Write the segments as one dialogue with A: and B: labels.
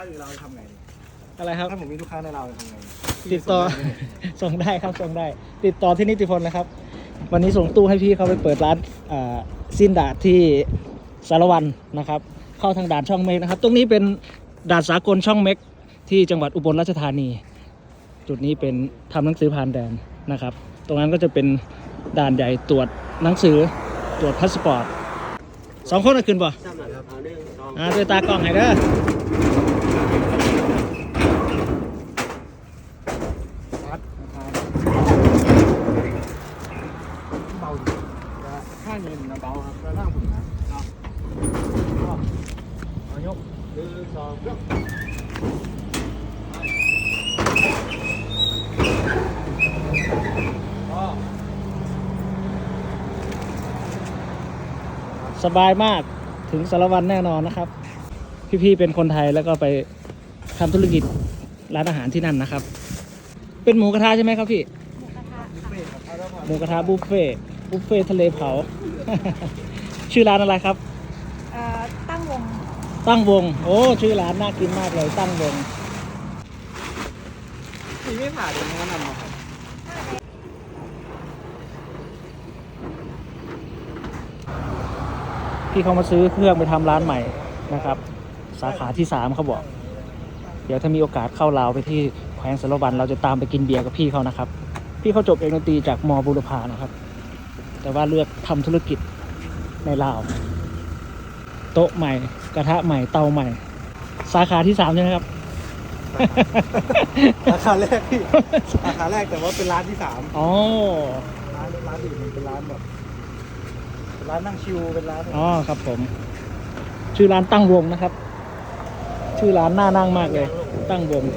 A: เราทำไง
B: อะไรครับ
A: ถ้าผมมีลูกค้าในเราทำไง
B: ติดต่อ ส่งได้ครับส่งได้ติดต่อที่นิติพลนะครับวันนี้ส่งตู้ให้พี่เขาไปเปิดร้านสิ้นดาดที่สารวันนะครับเข้าทางด่านช่องเมกนะครับตรงนี้เป็นด่านสากลช่องเมกที่จังหวัดอุบลราชธานีจุดนี้เป็นทำหนังสือผ่านแดนนะครับตรงนั้นก็จะเป็นด่านใหญ่ตรวจหนังสือตรวจพาสปอร์ต2 คนขึ้นป่ะด้วยตากล้องให้เด้อ
A: เบาข้างเงินนะเบาครับแล้วล่างผมนะเอายก1 2ยก
B: สบายมากถึงสารวันแน่นอนนะครับพี่ๆเป็นคนไทยแล้วก็ไปทำธุรกิจร้านอาหารที่นั่นนะครับเป็นหมูกระทะใช่ไหมครับพี่หมูกระทะบุฟเฟ่ทะเลเผา ชื่อร้านอะไรครับ
C: ตั้ง
B: วงโอ้ชื่อร้านน่ากินมากเลยตั้งวง
A: พี่ไม่ผ่าเดี๋ยวแนะนำมาครับ
B: พี่เขามาซื้อเครื่องไปทำร้านใหม่นะครับสาขาที่3เขาบอกเดี๋ยวถ้ามีโอกาสเข้าลาวไปที่แขวงสารวันเราจะตามไปกินเบียร์กับพี่เขานะครับพี่เขาจบเอกดนตรีจากม.บุรพานะครับแต่ว่าเลือกทำธุรกิจในลาวโต๊ะใหม่กระทะใหม่เตาใหม่สาขาที่3ใช่ไหมครับ
A: สาขาแรกพี่สาขาแรกแต่ว่าเป็นร้านที่3
B: อ๋อ
A: ร้านอื่นมันเป็นร้านแบบเป็นร้านนั่งชิลเป็นร้าน
B: อ๋อครับผมชื่อร้านตั้งวงนะครับชื่อร้านน่านั่งมากเลยตั้งวง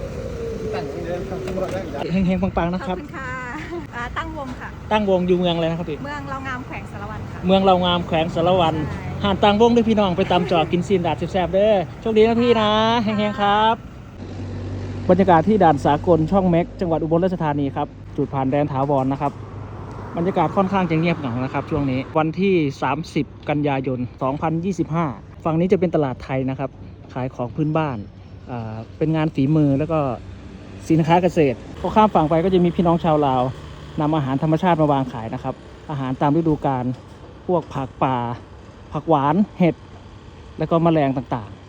B: เฮงๆปังๆนะครับ
C: ขอบคุณค่ะตั้งวงค่ะ
B: ตั้งวงอยู่เมืองอะไรนะครับพี่
C: เมืองเรางามแขวงสารวันค่ะ
B: เมืองเรางามแขวงสารวันหาดตั้งวงด้วยพี่น้องไปตามจอกินซีนดาดแซ่บๆเด้อโชคดีนะพี่นะเฮงๆครับบรรยากาศที่ด่านสากลช่องเม็กจังหวัดอุบลราชธานีครับจุดผ่านแดนถาวรนะครับบรรยากาศค่อนข้างจะเงียบเหงานะครับช่วงนี้วันที่30กันยายน2025ฝั่งนี้จะเป็นตลาดไทยนะครับขายของพื้นบ้านเป็นงานฝีมือแล้วก็สินค้าเกษตรพอข้ามฝั่งไปก็จะมีพี่น้องชาวลาวนำอาหารธรรมชาติมาวางขายนะครับอาหารตามฤดูกาลพวกผักป่าผักหวานเห็ดแล้วก็แมลงต่างๆ